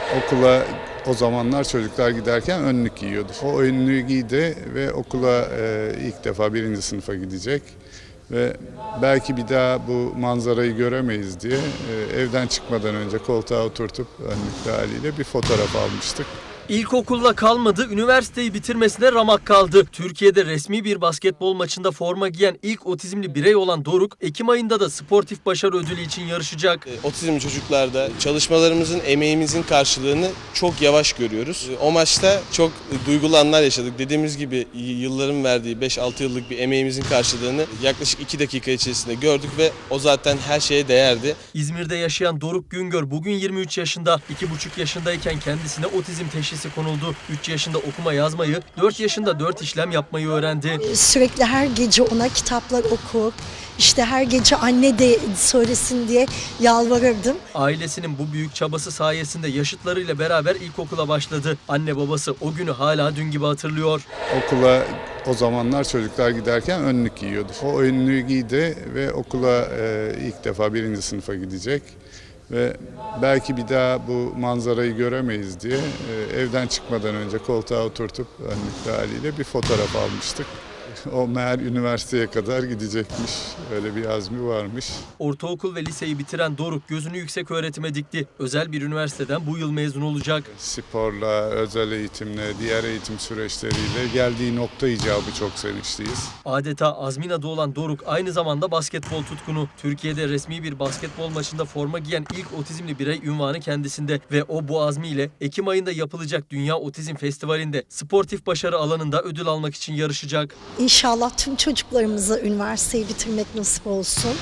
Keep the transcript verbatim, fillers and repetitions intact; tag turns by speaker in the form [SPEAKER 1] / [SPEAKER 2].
[SPEAKER 1] Okula o zamanlar çocuklar giderken önlük giyiyordu. O önlüğü giydi ve okula e, ilk defa birinci sınıfa gidecek. Ve belki bir daha bu manzarayı göremeyiz diye e, evden çıkmadan önce koltuğa oturtup önlüklü haliyle bir fotoğraf almıştık.
[SPEAKER 2] İlkokulla kalmadı, üniversiteyi bitirmesine ramak kaldı. Türkiye'de resmi bir basketbol maçında forma giyen ilk otizmli birey olan Doruk, Ekim ayında da sportif başarı ödülü için yarışacak.
[SPEAKER 3] Otizmli çocuklarda çalışmalarımızın, emeğimizin karşılığını çok yavaş görüyoruz. O maçta çok duygulu anlar yaşadık. Dediğimiz gibi yılların verdiği beş altı yıllık bir emeğimizin karşılığını yaklaşık iki dakika içerisinde gördük ve o zaten her şeye değerdi.
[SPEAKER 2] İzmir'de yaşayan Doruk Güngör bugün yirmi üç yaşında. iki buçuk yaşındayken kendisine otizm teşhisi konuldu. üç yaşında okuma yazmayı, dört yaşında dört işlem yapmayı öğrendi.
[SPEAKER 4] Sürekli her gece ona kitaplar okur, işte her gece anne de söylesin diye yalvarırdım.
[SPEAKER 2] Ailesinin bu büyük çabası sayesinde yaşıtlarıyla beraber ilkokula başladı. Anne babası o günü hala dün gibi hatırlıyor.
[SPEAKER 1] Okula o zamanlar çocuklar giderken önlük giyiyordu. O önlüğü giydi ve okula e, ilk defa birinci sınıfa gidecek. Ve belki bir daha bu manzarayı göremeyiz diye e, evden çıkmadan önce koltuğa oturtup önlüklü haliyle bir fotoğraf almıştık. O meğer üniversiteye kadar gidecekmiş. Öyle bir azmi varmış.
[SPEAKER 2] Ortaokul ve liseyi bitiren Doruk gözünü yüksek öğretime dikti. Özel bir üniversiteden bu yıl mezun olacak.
[SPEAKER 1] Sporla, özel eğitimle, diğer eğitim süreçleriyle geldiği nokta icabı çok sevinçliyiz.
[SPEAKER 2] Adeta azmin adı olan Doruk aynı zamanda basketbol tutkunu. Türkiye'de resmi bir basketbol maçında forma giyen ilk otizmli birey unvanı kendisinde ve o bu azmiyle Ekim ayında yapılacak Dünya Otizm Festivali'nde sportif başarı alanında ödül almak için yarışacak.
[SPEAKER 4] İnşallah tüm çocuklarımıza üniversiteyi bitirmek nasip olsun.